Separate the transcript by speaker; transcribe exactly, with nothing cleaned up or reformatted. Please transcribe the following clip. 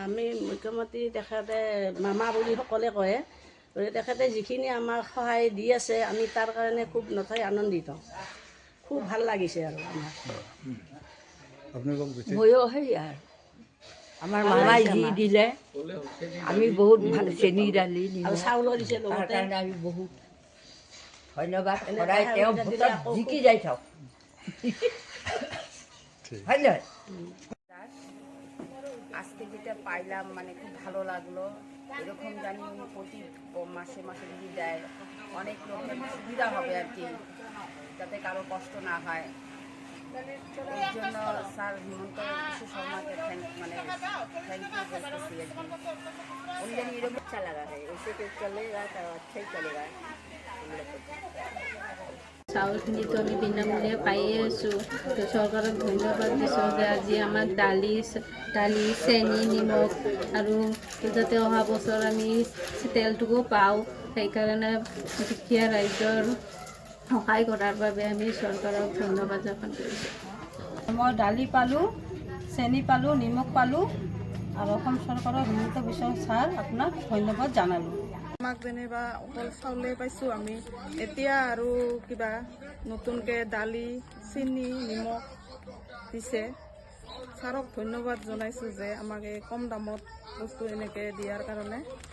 Speaker 1: আমি মুখ্যমন্ত্ৰী তেখেতে মামা বুলি সকলে কয়, তেখেতে যিখিনি আমাক সহায় দি আছে আমি তাৰ কাৰণে খুব নথৈ আনন্দিত, খুব ভাল লাগিছে আৰু আমাৰ।
Speaker 2: ময়ো সেই আৰু আমাৰ মামাই যি দিলে আমি বহুত ভাল, চেনি দালি
Speaker 1: আৰু চাউলো দিছে
Speaker 2: তাৰ
Speaker 1: লগতে।
Speaker 2: কাৰণে আমি বহুত ধন্যবাদ। সদায় তেওঁ ভোটত জিকি যাই থাকক, হয় নহয়? আজকে যেটা পাইলাম মানে খুব ভালো লাগলো। এরকম জানি উনি প্রতি মাসে মাসে যদি দেয় অনেক লোকের সুবিধা হবে আর কি, যাতে কারো কষ্ট না হয়। এর জন্য স্যার হিমন্ত বিশ্ব শর্মাকে থ্যাংক মানে থ্যাংক ইউ বলতেছি আর কি। উনি জানি এরকম अच्छा लगा है, ऐसे तो चलेगा तो अच्छा ही चलेगा।
Speaker 3: চাউলখিনিতো আমি বিনামূলীয়া পায়ে আছোঁ, তো চৰকাৰক ধন্যবাদ দিছোঁ যে আজি আমাক দালি দালি চেনি নিমখ আৰু যাতে অহা বছৰ আমি তেলটোকো পাওঁ, সেইকাৰণে দুখীয়া ৰাইজৰ সহায় কৰাৰ বাবে আমি চৰকাৰক ধন্যবাদ জ্ঞাপন কৰিছোঁ।
Speaker 4: মই দালি পালোঁ, চেনি পালোঁ, নিমখ পালোঁ আৰু অসম চৰকাৰৰ হিমন্ত বিশ্ব ছাৰ আপোনাক ধন্যবাদ জনালোঁ।
Speaker 5: আমাক যেনিবা অকল চাউলে পাইছোঁ আমি, এতিয়া আৰু কিবা নতুনকৈ দালি চেনি নিমখ দিছে। ছাৰক ধন্যবাদ জনাইছোঁ যে আমাক এই কম দামত বস্তু এনেকৈ দিয়াৰ কাৰণে।